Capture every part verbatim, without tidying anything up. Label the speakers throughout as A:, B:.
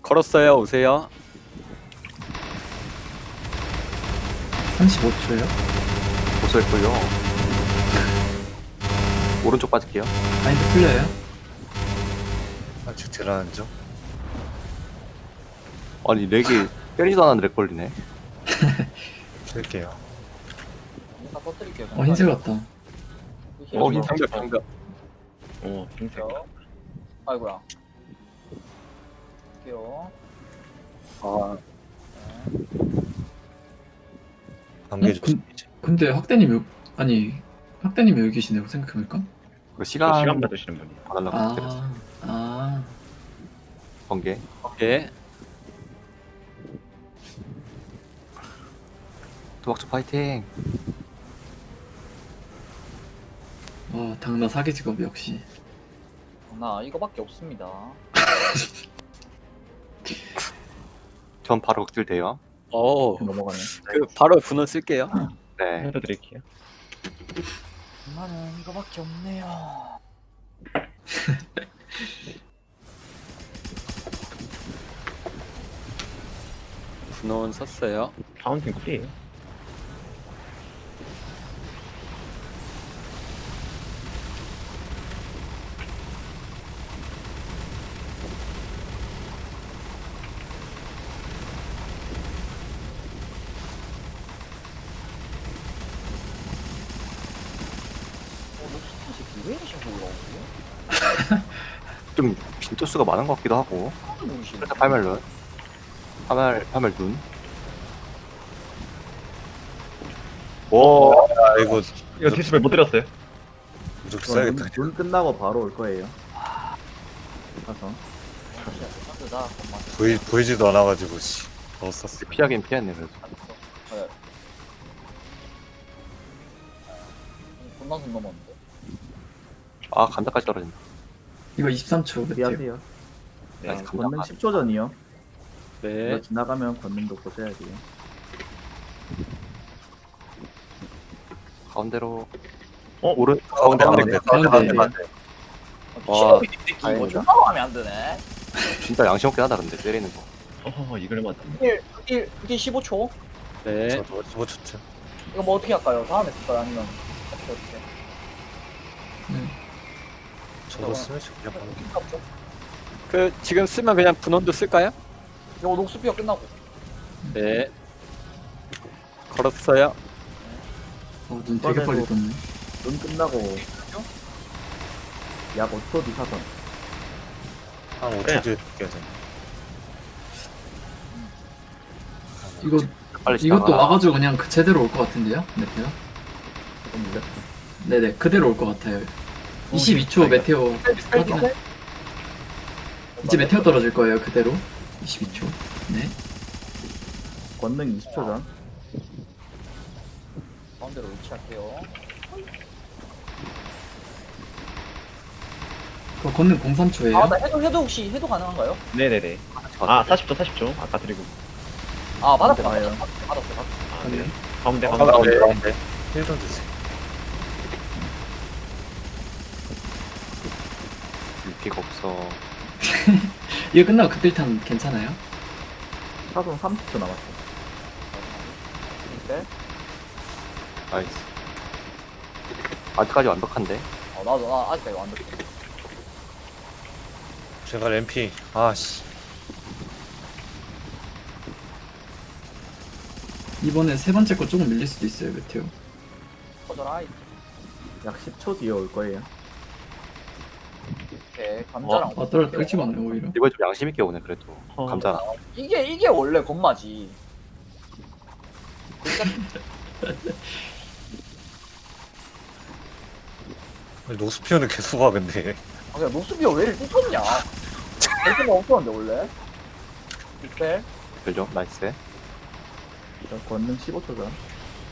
A: 걸었어요. 오세요.
B: 삼십오 초요?
C: 보수했고요. 오른쪽 빠질게요.
B: 마인드 풀려요?
D: 아직 들어가는 중.
C: 아니 렉이 때리지도 않았는데 렉 걸리네.
D: 들게요.
E: 일단 터뜨릴게요.
B: 어 흰색 같다.
C: 어 흰색.
A: 방벽 방벽.
F: 오, 흰색.
E: 아이고야. 할게요.
A: 아
D: 관계
B: 어?
D: 좀.
B: 근- 근데 학대님 여, 아니 학대님 여기 계시네요 생각해보니까.
C: 그 시간
F: 시간 받으시는 분이.
C: 받으려고 때렸어.
B: 아, 아,
C: 번개.
A: 오케이.
C: 도박주 파이팅.
B: 와 당나 사기 직업 역시.
E: 나 이거밖에 없습니다.
C: 전 바로 극딜 돼요.
A: 어.
E: 넘어가네.
A: 그 바로 분원 쓸게요.
C: 네.
F: 해도 드릴게요.
E: 나는 이거밖에 없네요.
A: 분원 썼어요.
F: 파운틴 쿨이에요.
E: 어, 녹슨 새끼 왜 이렇게 자꾸 올라오지?
C: 좀 빈도수가 많은 것 같기도 하고.
E: 하는 눈이시네.
C: 살짝 팔멜룬. 파멜 파멜 눈. 오.
D: 아 이거
F: 이거 디스플레이 못 드렸어요.
D: 무조건 써야겠다.
G: 눈 끝나고 바로 올 거예요. 가서
E: 뜨다. 엄마.
D: 보이 보이지도 않아가지고 씨. 더 썼어.
C: 피하긴 피했네 그래도.
E: 네. 존나 손 넘었는데.
C: 아 간다까지 떨어진다.
B: 이거 이십삼 초 같아요.
G: 피하세요.
F: 네.
C: 아직
G: 권능
C: 간다.
G: 십 초 전이요.
A: 네.
G: 이거 지나가면 권능도 보셔야 돼요.
C: 가운데로.
F: 어?
C: 오른 가운데 가운데
D: 가운데,
C: 가운데
B: 가운데.
C: 가운데.
E: 와.
C: 와.
E: 이 새끼 이거
G: 다행이다.
E: 존나 하면 안 되네.
C: 진짜 양심 없긴 하다 근데 때리는 거.
F: 어허, 이걸 맞았네.
E: 그길 그길 그길 십오 초.
A: 네.
D: 저도 저거 좋죠.
E: 이거 뭐 어떻게 할까요? 다음에 쓸까요? 아니면 어떻게 어떻게?
B: 네.
D: 저도 쓰면 그냥 바로.
E: 값죠?
A: 그 지금 쓰면 그냥 분원도 쓸까요?
E: 이거 녹수피어 끝나고.
A: 네. 걸었어요.
B: 어, 눈 되게 빨리 떴네.
G: 눈 끝나고 약 오 초 뒤 사선.
D: 한 오 초
F: 그래.
D: 뒤에 들게요. 저는.
B: 이거
C: 빨리
B: 이것도
C: 지나가.
B: 와가지고 그냥 그 제대로 올 것 같은데요, 메테오?
G: 조금 밀렸어.
B: 네네 그대로 올 것 같아요. 이십이 초 메테오 확인. 이제 메테오 떨어질 거예요 그대로. 이십이 초. 네.
G: 권능 이십 초 전.
E: 가운데로 위치할게요.
B: 그 건능 공삼 초예요.
E: 아, 나 해도 해도 혹시 해도 가능한가요?
F: 네네네. 아, 사십 초, 사십 초. 아까 드리고.
E: 아, 받았어,
G: 가운데
E: 받았어,
G: 가요.
E: 받았어, 받았어.
F: 아, 네. 가운데,
C: 가운데
F: 가운데.
C: 가운데.
D: 힐좀 주세요.
C: 유피가 없어.
B: 이거 끝나고 그들탄 괜찮아요?
G: 사선 삼십 초 남았어.
E: 네?
C: 나이스. 아직까지 완벽한데.
E: 어, 나도 나 아직까지 완전.
D: 제가 램피. 아씨.
B: 이번에 세 번째 거 조금 밀릴 수도 있어요 메테오.
E: 커져라.
G: 약 십 초 뒤에 올 거예요.
E: 이렇게 감자랑.
B: 아 떨어 떨지 않네 오히려.
C: 이번에 좀 양심 있게 오네 그래도.
F: 어.
C: 감자.
E: 이게 이게 원래 건마지.
D: 노스피어는 계속 와 근데.
E: 아, 그냥 녹수비어 왜 이렇게 ጡ쳤냐? 별거 없었는데 원래. 이때
C: 그죠? 나이스.
G: 저 권능 십오 초 전.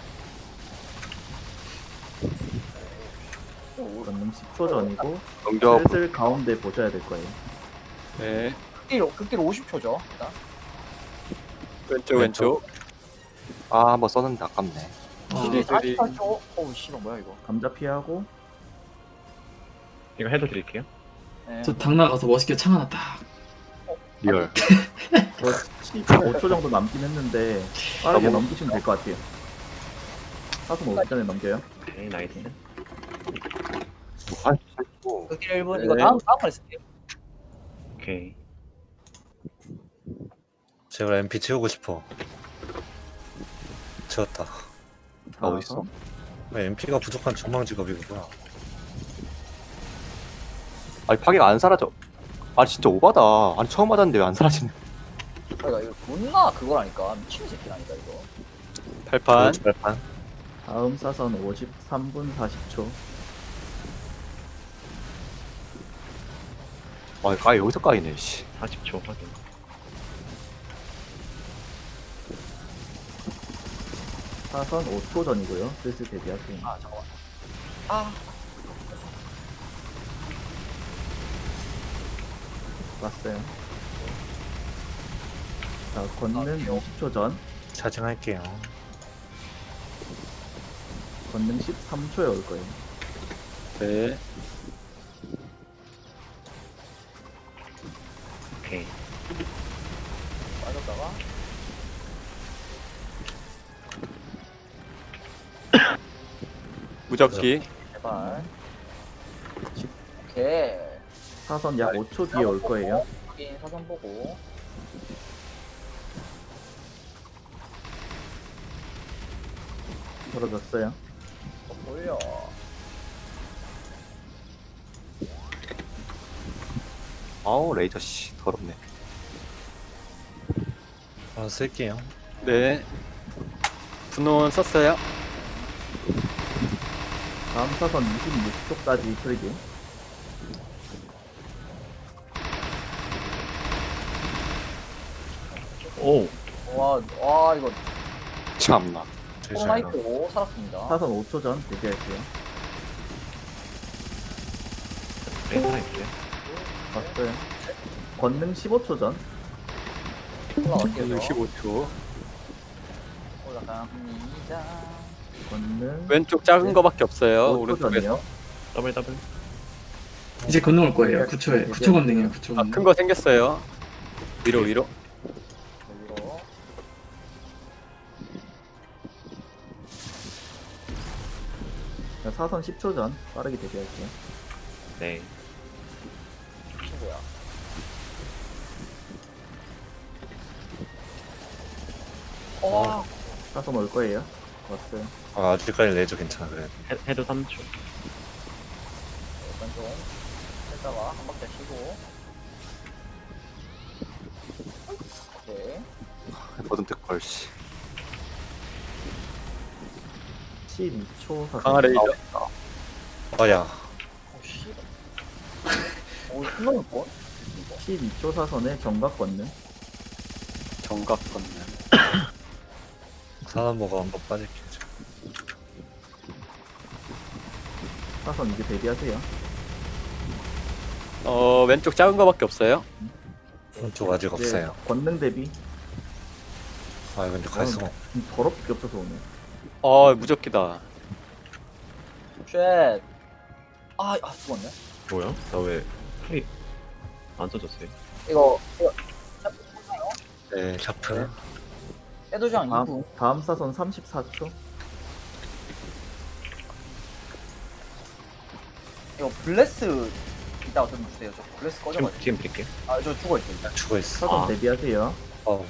G: 권능 십 초 전이고
C: 넘겨.
G: 슬슬 가운데 보셔야 될 거예요.
A: 네.
E: 극딜 극딜 오십 초죠. 일단.
A: 왼쪽 왼쪽.
C: 아 한번 썼는데 아깝네.
B: 아,
A: 네.
E: 사십팔 초. 어우 씨발 뭐야 이거.
G: 감자 피하고
F: 이거 해도 드릴게요.
E: 네.
B: 저 당 나가서 멋있게 창 하나 딱.
C: 리얼.
G: 저 십오 초 정도 남긴 했는데 빠르게
C: 너무-
G: 넘기시면 될 것 같아요. 사선 오기 전에 넘겨요.
F: 오케이, 나이스.
C: 한 오.
E: 극딜 일 분
A: 네.
E: 이거 다음 다음 판에 쓸게요.
F: 오케이.
D: 제발 엠피 채우고 싶어. 채웠다.
C: 아, 어딨어?
D: 엠피가 부족한 전망 직업이구나.
C: 아니 파괴가 안 사라져. 아니 진짜 오바다. 아니 처음 맞았는데 왜 안 사라지네.
E: 그러니까 이거 존나 그거라니까 미친 새끼라니까 이거.
A: 발판.
D: 발판.
G: 다음 사선 오십삼 분 사십 초.
C: 아 까이 여기서 까이네. 씨.
F: 사십 초 확인.
G: 사선 오 초 전이고요. 슬슬 대비하세요.
E: 아 잠깐만. 아
G: 왔어요. 자, 권능 이십 초 전.
D: 차징할게요.
G: 권능 십삼 초에 올 거예요.
A: 네.
F: 오케이.
E: 빠졌다가
A: 무적기.
E: 제발. 오케이.
G: 사선 약 오 초 뒤에 올 거예요.
E: 확인 사선 보고.
G: 떨어졌어요.
E: 또 돌려.
C: 아우 레이저 씨 더럽네.
D: 아, 쓸게요.
A: 네. 분원 썼어요.
G: 다음 사선 이십육 초까지 풀기.
F: 오.
E: 와, 와 이거
C: 참나.
D: 죄송해요.
E: 코로나이트 살았습니다.
G: 사선 오 초 전 대비할게요.
F: 네, 살아있어요.
G: 왔어요. 권능 십오 초 전.
E: 올라갈게요.
A: 십오 초.
E: 올라갑니다.
G: 권능
A: 왼쪽 작은 거밖에 없어요.
G: 오 초
A: 오른쪽에서.
G: 전이요.
F: 더블 더블.
B: 이제 건너올 거예요. 구 초에. 구 초 건능이에요. 구 초
A: 아,
B: 건능.
A: 큰 거 생겼어요. 위로 위로.
E: 여기로.
G: 자, 사선 십 초 전 빠르게 대비할게요.
F: 네.
E: 친구야. 와,
G: 사선 올 거예요. 왔어요.
D: 아, 아직까지 레이저 괜찮아, 그래.
F: 헤, 헤드 삼 초.
E: 일단 좀 했다가 한 박자 쉬고. 오케이.
C: 뭐든 특걸 씨.
G: 십이 초 사선.
A: 강화 레이저.
D: 아, 야.
E: 오 씨. 오 끝나는 거?
G: 십이 초 사선에 정각 권능.
A: 정각 건능.
D: 사나모가 한번 빠질게.
G: 사선 이제 대비하세요.
A: 어 왼쪽 작은 거밖에 없어요.
D: 오른쪽 아직
G: 이제
D: 없어요.
G: 권능 대비.
D: 아, 근데 갈 수가 없
G: 좀 더럽게 없어서 오네.
A: 어 무적기다.
E: 쉣. 아, 아 죽었네.
F: 뭐야? 나 왜 풀이 안 써졌어요?
E: 이거 이거
D: 네, 샤프.
E: 에도장 이 분.
G: 다음, 다음 사선 삼십사 초.
E: 이거 블레스 이따가 좀 주세요. 저 블레스
F: 지금,
E: 꺼져가지고.
F: 지금 드릴게요.
E: 아, 저 죽어 있어. 일단.
D: 죽어있어.
G: 사선
F: 아.
G: 대비하세요.
D: 어,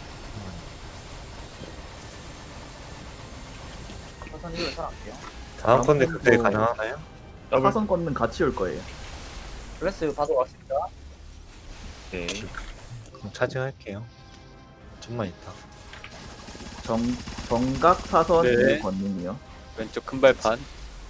E: 사선 이걸 살았게요.
D: 다음 건데
G: 다음
D: 그때
G: 거-
D: 가능하나요?
F: 더블.
G: 사선 권능 같이 올 거예요.
E: 블레스 받으러 왔습니다.
F: 네.
D: 그럼 차징할게요. 좀만 있다.
G: 정, 정각 사선
A: 네.
G: 네. 권능이요.
A: 왼쪽 큰 발판.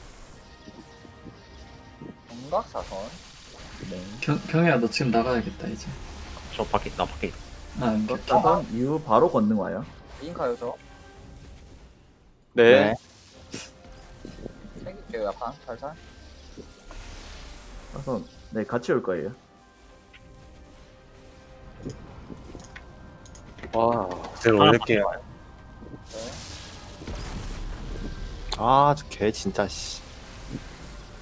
E: 정각 사선.
G: 네.
B: 경, 경혜야 너 지금 나가야겠다 이제.
F: 저 밖에, 나 밖에 있어.
B: 아, 안
G: 정각
B: 돼.
G: 사선 이후 바로 권능 와요.
E: 인카요 저.
A: 네.
E: 생길게요 약간 살살.
G: 사선 네 같이 올 거예요.
A: 와.
D: 그대로 올릴게요.
E: 네.
C: 아저 개 진짜 씨.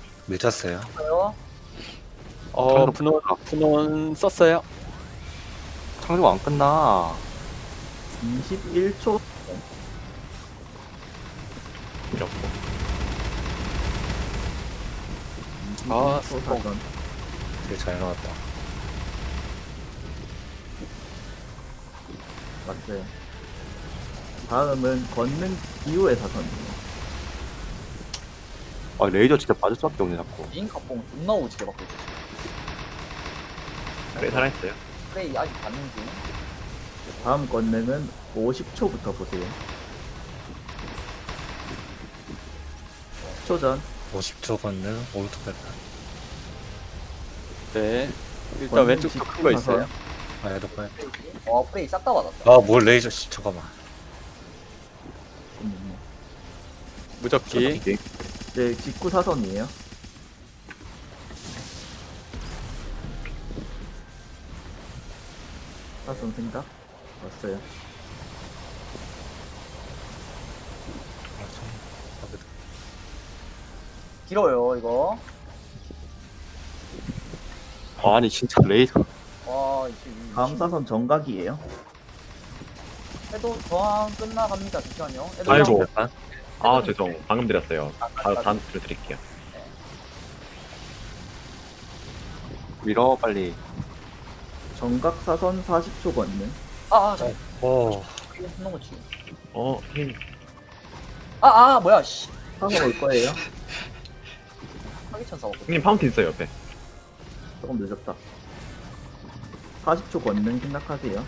D: 늦었어요.
E: 가요.
A: 어 분원 분원 썼어요.
C: 창조가 안 끝나.
G: 이십일 초.
F: 이렇고.
A: 아,
G: 초 사선.
D: 되게 잘 나왔다.
G: 맞어요. 다음은 권능 이후의 사선이에요.
C: 아 레이저 진짜 빠질 수밖에 없네 자꾸.
E: 인 갑봉 존나 오지게 받고 있어.
F: 꽤 살아있어요.
E: 프레이 아직 받는 중.
G: 다음 권능은 오십 초부터 보세요. 십 초 전.
D: 오십 초 걷는 오른쪽 발판.
A: 네. 일단
G: 권능
A: 왼쪽도 큰 거 있어요.
G: 직사선.
D: 아, 얘도 빨.
E: 와 프레이 싹 다 받았다.
D: 아, 뭘 레이저, 씨, 잠깐만.
G: 음,
A: 무적기.
G: 네, 직구 사선이에요. 사선 생각 왔어요.
D: 아, 참. 아, 그래도.
E: 길어요 이거.
C: 아니 진짜 레이저.
E: 와 이제 이-
G: 다음 사선 정각이에요.
E: 해도 저항 끝나갑니다. 잠시만요. 해도
F: 아이고.
D: 발판?
F: 아 죄송. 방금 드렸어요.
E: 아,
F: 바로
E: 아,
F: 다음 줄 드릴게요.
C: 밀어 빨리.
G: 정각 사선 사십 초 권능.
E: 아, 아, 잠깐.
D: 오,
E: 이거 붙는 거지.
F: 어 힘.
E: 아, 아, 뭐야, 씨.
G: 사선 올 거예요.
E: 사기천사 먹고.
F: 형님 파운틴 있어요 옆에.
G: 조금 늦었다. 사십 초 권능 생각하세요.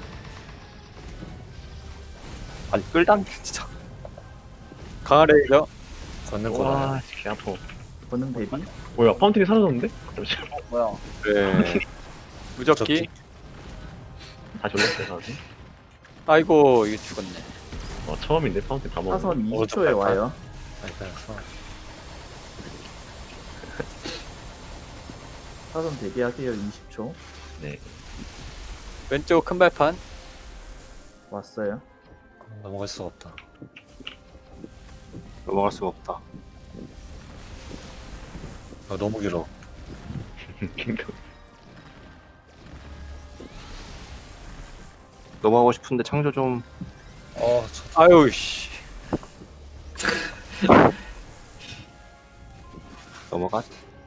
C: 아니 끌당 진짜.
A: 강화 레이저.
D: 걷는 거라.
F: 와 개 아파.
G: 권능 대비.
F: 뭐야 파운틴이 사라졌는데? 잠시만.
E: 어, 뭐야.
A: 네. 무적기.
F: 다시 올렸어요 나한테.
A: 아이고 이게 죽었네.
F: 어 처음인데 파운틴 다 먹었네.
G: 사선
D: 오른쪽
G: 이십 초에
D: 발판.
G: 와요.
D: 아니, 그냥 써.
G: 사선 대비하세요. 이십 초.
F: 네.
A: 왼쪽 큰 발판.
G: 왔어요.
D: 넘어갈 수가 없다.
C: 넘어갈 수가 없다.
D: 아, 너무 길어.
C: 넘어가고 싶은데 창조 좀.
D: 어, 저,
A: 아유 씨.
C: 넘어가.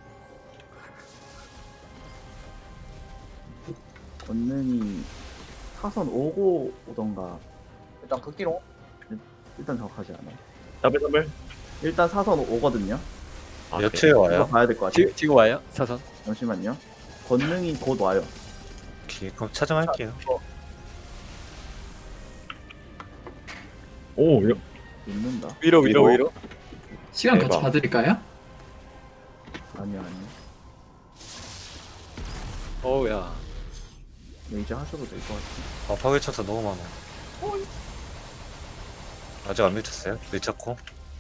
G: 권능이 사선 오고 오던가.
E: 일단 극기로.
G: 일단 정확하지 않아요.
F: 더블 더블.
G: 일단 사선 오거든요.
F: 아,
D: 몇
F: 그래.
D: 초에
G: 이거
D: 와요?
G: 봐야 될 것 같아요.
A: 지, 지금 와요? 사선.
G: 잠시만요. 권능이 곧 와요.
D: 오케이, 그럼 차정할게요.
F: 오 이거
G: 있는다.
A: 위로 위로
C: 위로.
A: 위로.
B: 시간 같이
F: 대박.
B: 봐드릴까요?
G: 아니요, 아니요.
A: 어우야.
G: 레이저 하셔도 될 것 같아요.
D: 아, 파괴천사 너무 많아. 아직 안 미쳤어요? 미쳤고?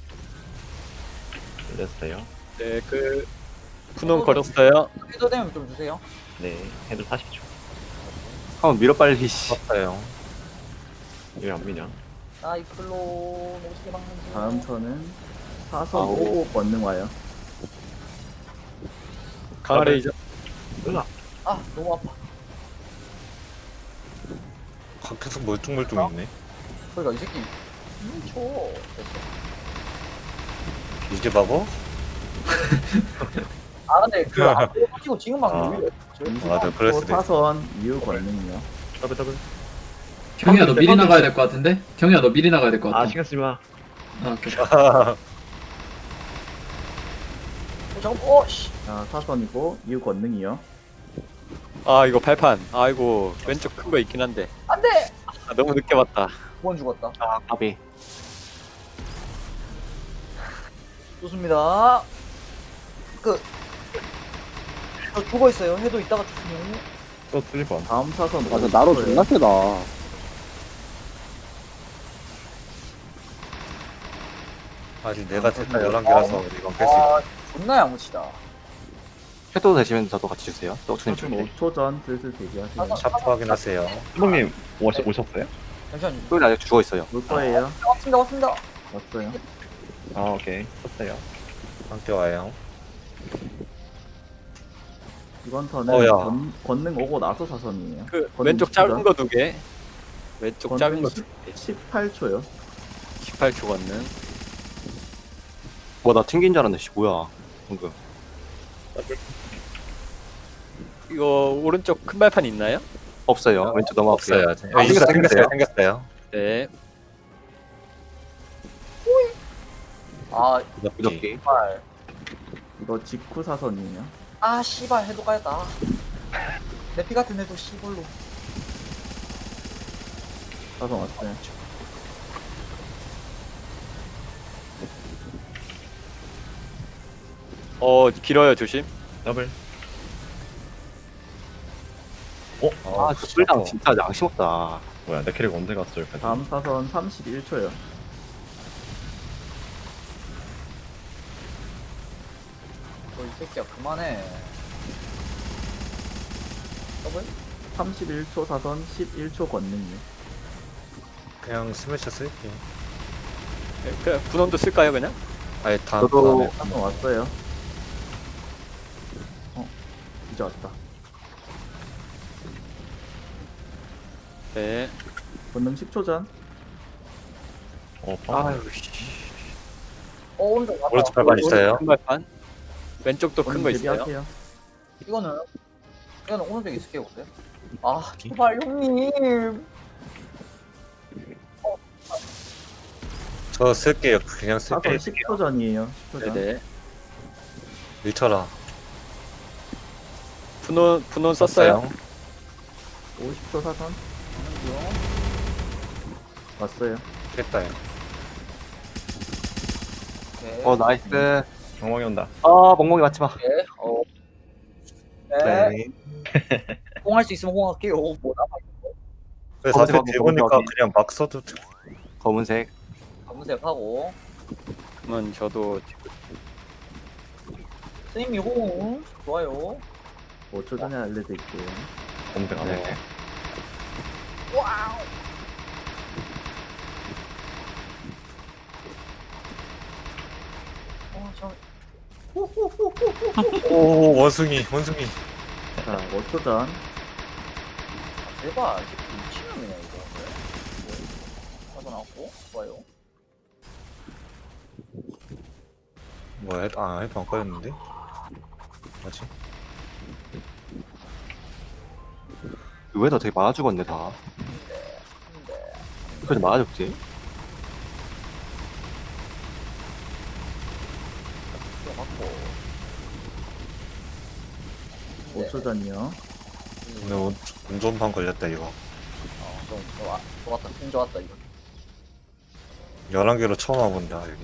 F: 올렸어요.
A: 네, 그 분홍 걸었어요.
E: 해도 되면 좀 주세요.
F: 네. 해도 사십 초.
C: 한번 밀어 빨리. 씨.
D: 썼어요.
F: 왜 안 미냐?
E: 사이클론 오지게 막는 중.
G: 다음 턴은 사선
C: 아오.
G: 오고 권능 와요.
A: 강화 레이저.
F: 으아.
E: 아, 너무 아파.
D: 가- 계속 멀뚱멀뚱 있네.
E: 그러니까 이 새끼. 음, 쳐. 됐어.
D: 이게 바보?
E: 아, 근데 그 앞으로 빠지고 지금 막
F: 아.
E: 오히려
D: 맞아,
G: 이십
D: 그럴
G: 초
D: 수도 있어.
G: 사선 이후 권능이요.
F: 더블 더블.
B: 경희야 너 미리 나가야 될 것 같은데? 경희야 너 미리 나가야 될 것
F: 아
B: 같아.
F: 신경 쓰지 마.
B: 아, 오케이.
E: 어, 잠깐, 어, 씨.
G: 자, 사선이고 이후 권능이요.
A: 아 이거 발판. 아이고 왼쪽 큰 거 있긴 한데.
E: 안 돼!
A: 아, 너무 늦게 봤다.
E: 두 번 죽었다.
C: 아 까비.
E: 좋습니다. 그, 저 죽어 있어요. 해도 이따가 주시면.
F: 또 일 번.
G: 다음 사선
H: 맞아,
G: 오십
H: 나로
G: 초예요.
H: 존나 세다.
D: 아직 내가 됐다 열한 개라서 이건 뺄 수 있다.
E: 아, 존나 야무치다.
C: 해도 되시면 저도 같이 주세요. 떡순이
G: 사선
C: 줄게.
G: 오 초 전 슬슬 대기하세요.
E: 사선-
D: 샤프 확인하세요.
F: 수봉님 오셨, 오셨어요?
E: 잠시만요.
C: 또 아직 죽어 있어요.
G: 올 거예요.
E: 왔습니다, 왔습니다.
G: 왔어요.
F: 아 오케이. 썼어요.
D: 함께 와요.
G: 이번 턴은
D: 어, 야.
G: 권, 권능 오고 나서 사선이에요.
A: 그
G: 권능
A: 왼쪽
G: 십 초죠?
A: 짧은 거 두 개. 왼쪽 짧은 거 두 개.
G: 십팔 초요.
A: 십팔 초 걷는.
C: 뭐나 튕긴 줄 알았네. 씨 뭐야 방금.
A: 이거 오른쪽 큰 발판 있나요?
C: 없어요. 왼쪽 넘어갈게요.
D: 없어요.
C: 아,
D: 아, 생겼어요.
C: 생겼어요.
D: 생겼어요.
A: 네.
E: 아
D: 무적기.
C: 무적기.
E: 씨발.
G: 이거 직후 사선이에요.
E: 아 씨발 해도 가야다. 내 피 같은 애도 씨발로.
G: 사선 왔어요.
A: 어 길어요 조심.
F: 더블.
C: 아, 그 뿔당 진짜 양심 없다.
F: 뭐야 내 캐릭 언제 갔어 여기까지.
G: 다음 사선 삼십일 초요.
E: 너이 새끼야 그만해. 더블?
G: 삼십일 초 사선 십일 초 권능이요.
D: 그냥 스매셔 쓸게요.
A: 네, 그 분원도 쓸까요 그냥?
D: 아예 다음
C: 저도-
D: 다음에.
G: 사선 왔어요. 어, 이제 왔다.
A: 네.
G: 권능 십 초 전.
F: 어 파.
C: 아유 씨.
E: 어 오른쪽 맞다.
D: 오른쪽 발판 있어요.
A: 큰 발판. 왼쪽도 큰 거
G: 권능
A: 있어요.
G: 대비할게요.
E: 이거는 이거는 오른쪽에 있을게요 근데. 아 제발 형님.
D: 저 쓸게요. 그냥 쓸게요.
G: 사선 십 초 전이에요. 십 초 전.
A: 네네.
D: 밀쳐라.
A: 분원 분원 썼어요.
G: 오십 초 사선. 왔어요.
D: 됐다. 이거.
E: 오케이.
C: 어 나이스.
F: 엉망이 온다.
C: 아 멍멍이 맞지 마.
E: 오케이. 어. 네.
D: 네.
E: 홍할 수 있으면 홍할게요. 뭐 남아
D: 그래서
C: 검색
D: 어차피
C: 하고
D: 대보니까
C: 검색하기.
D: 그냥 막 써도 돼.
C: 검은색.
E: 검은색 하고.
A: 그러면 저도
E: 스님이 홍 좋아요.
G: 오 초 전에 알려드릴게요.
F: 검색 안
C: 네.
F: 해.
E: 와우. 어, 저
D: 오 원숭이 원숭이.
G: 자, 오 초 전.
E: 대박. 미친놈이네 이거. 하고 나왔고 좋아요.
D: 뭐야? 아 헤드 안 꺼였는데? 뭐지?
C: 왜나 되게 많아 죽었네 다.
E: 근데
C: 그래서 많아 죽지.
E: 들어갔고.
G: 오 초 전이요.
D: 오늘 운- 운전판 걸렸다 이거.
E: 어, 좀 좋아. 좋았다. 힘 좋았다 이거.
D: 열한 개로 처음 와본다 여기.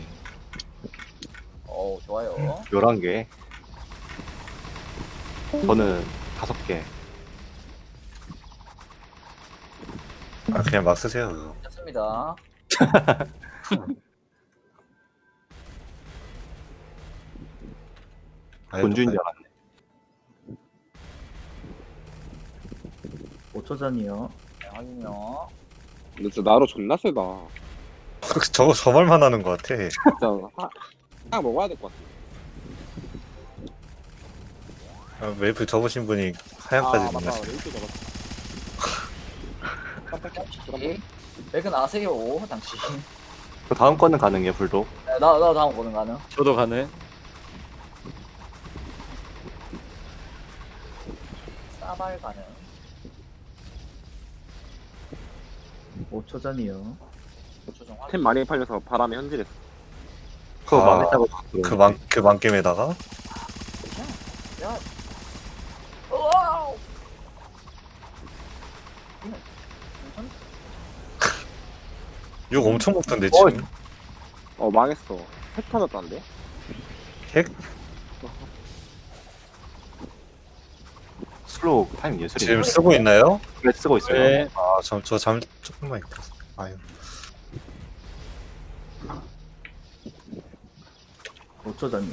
E: 어우 좋아요.
C: 열한 개. 저는 다섯 개.
D: 아 그냥 막 쓰세요 그거.
E: 됐습니다.
D: 아예
C: 본주인 줄
D: 똑같아요.
C: 알았네.
G: 오 초 전이요.
E: 네, 확인요.
H: 근데 진짜 나로 존나 세다.
D: 저거 저 말만 하는 것 같아.
H: 진짜 하, 하나 먹어야 될 것 같아.
D: 아, 웨이프 접으신 분이
H: 아
D: 하얀까지
H: 맞다.
D: 만났어.
H: 레이트 잡았어.
E: 이 맥은 아세요 당신.
C: 그 다음 거는 가능해요 불도.
E: 네, 나, 나 다음 거는 가능.
A: 저도 가능.
E: 싸발 가능.
G: 오 초 전이요.
E: 조정
H: 템 많이 팔려서 바람에 현질했어.
C: 그거
D: 아,
C: 망했다고.
D: 그만 그 만겜에다가
E: 야. 와우.
D: 욕 엄청 먹던데
C: 어,
D: 지금.
H: 어 망했어. 핵 터졌다는데?
D: 핵?
C: 슬로우 타임 예술이.
D: 지금 쓰고 있나요?
C: 그래 쓰고 있어요.
A: 네.
D: 아저저잠 조금만 있다. 아유.
G: 오 초 전이요.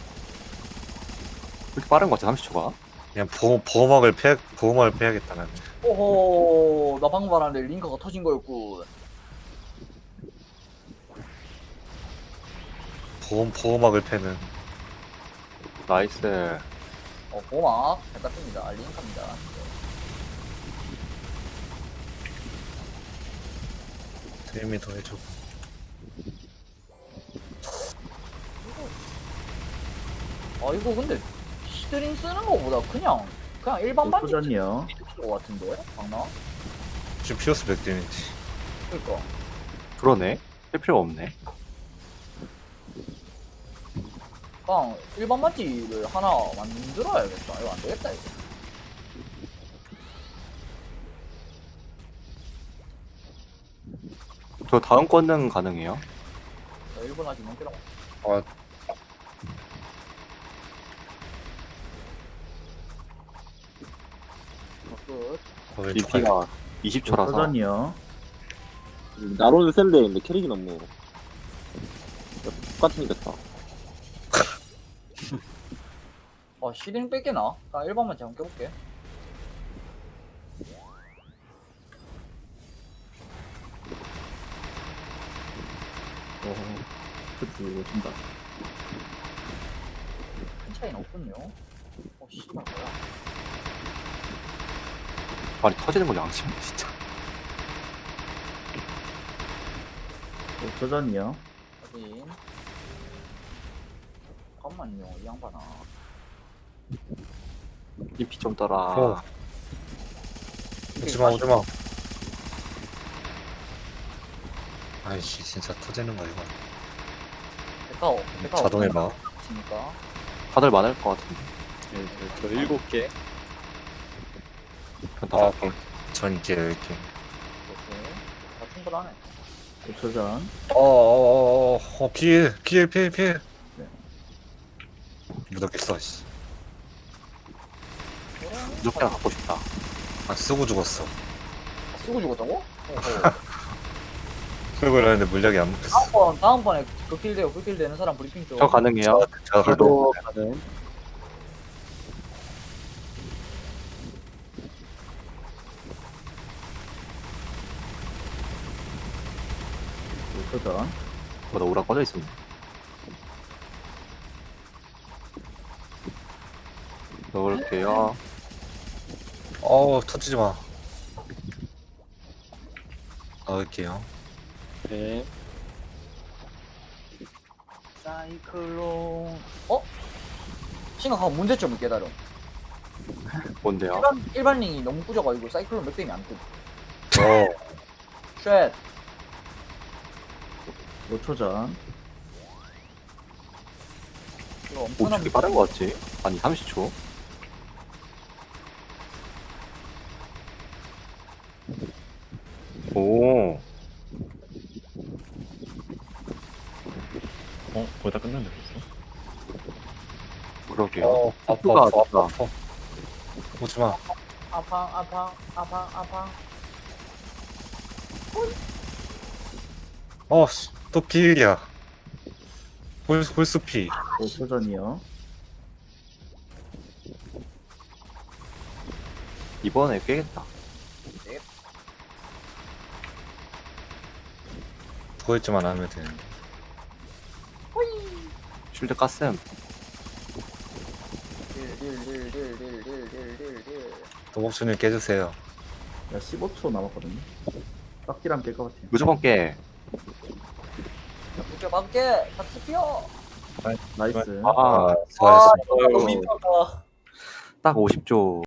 C: 그렇게 빠른 거 같아 삼십 초가.
D: 그냥 보호 보호막을 패 보호막을 패야겠다 나는.
E: 오호, 나 방금 말하는데 링크가 터진 거였군.
D: 보호 보호막을 패는.
C: 나이스.
E: 어, 보막 잘 땄습니다. 링크입니다.
D: 드림이 더 해줘.
E: 아, 이거 근데 시드링 쓰는 거보다 그냥 그냥 일반 반지
G: 소전이요.
E: 쓰는 거 같은데? 방나?
D: 지금 피어스 백 데미지.
E: 그니까.
C: 그러네. 할 필요가 없네.
E: 그냥 일반 반지를 하나 만들어야겠다. 이거 안 되겠다, 이거.
C: 저 다음 권능 가능해요?
E: 저 일 분 아직 넘기라고.
D: 아,
E: 끝.
D: 어, 왼쪽 갈
C: 디피가 이십 초라서.
G: 소전이요.
H: 나로는 센데 근데 캐릭이 너무 똑같이 생겼다.
E: 아, 시드링 뺏게나? 나 일 번만 잠깐 껴볼게.
G: 오, 그치, 오신다.
E: 큰 차이는 없군요. 어, 씨발, 뭐야.
C: 아니 터지는 거 양심이네 진짜.
G: 오, 소전이요.
E: 확인. 잠깐만요, 이 양반아.
C: 디피 좀 떠라.
D: 어. 오지마 오지마. 아이씨 진짜 터지는 거야 이거.
E: 백화오, 백화오.
D: 자동에 막.
E: 치니까.
C: 다들 많을 것 같은데.
A: 네, 저, 저 일곱 개.
C: 전 다섯 개.
D: 전개 열 개.
E: 오케이. 다 충분하네.
G: 오, 소전.
D: 어어어어 어, 피해 피해 피해 피해.
G: 네.
D: 무덥겠어 씨.
C: 무조건 갖고 싶다.
D: 아 쓰고 죽었어.
E: 쓰고 죽었다고? 어허.
D: 쓰고 이러는데 물약이 안 먹혔어.
E: 다음번, 다음번에 극딜 돼요, 극딜 되는 사람 브리핑 좀.
C: 저 가능해요?
D: 제가
C: 저도
D: 가도
C: 가능.
G: 오, 소전.
C: 뭐나 오라 꺼져 있었네. 넣을게요.
D: 어우 터지지 마. 넣을게요.
A: 네.
E: 사이클론. 어? 심각한 문제점을 깨달음.
C: 뭔데요?
E: 일반, 일반 링이 너무 꾸져가지고 사이클론 맥댐이 안 뜸.
D: 어.
E: 쉣.
G: 오, 초전.
E: 이거
C: 오,
E: 엄청난
C: 되게 빠른 거 같지? 아니 삼십 초. 오.
F: 어? 거의 다 끝났네 벌써?
C: 그러게요.
D: 어 아파
C: 속도가
D: 아파
C: 진짜.
D: 아파 아파. 오지마.
E: 아팡, 아팡, 아팡, 아팡.
D: 어씨 또 피일이야. 홀 홀수 피.
G: 오, 소전이요.
C: 이번에 깨겠다.
D: 그거있지만 하면 되는데.
C: 쉴드 깠음.
E: 딜, 딜, 딜, 딜, 딜, 딜, 딜, 딜, 딜.
D: 도복수님 깨주세요.
G: 야, 십오 초 남았거든요. 빡디랑 깰 것 같아요.
C: 무조건 깨.
E: 자, 붙여 막게. 같이 피어.
G: 나이스.
C: 아,
D: 아 수고하셨습니다.
E: 너무 힘들다.
C: 딱 오십 조.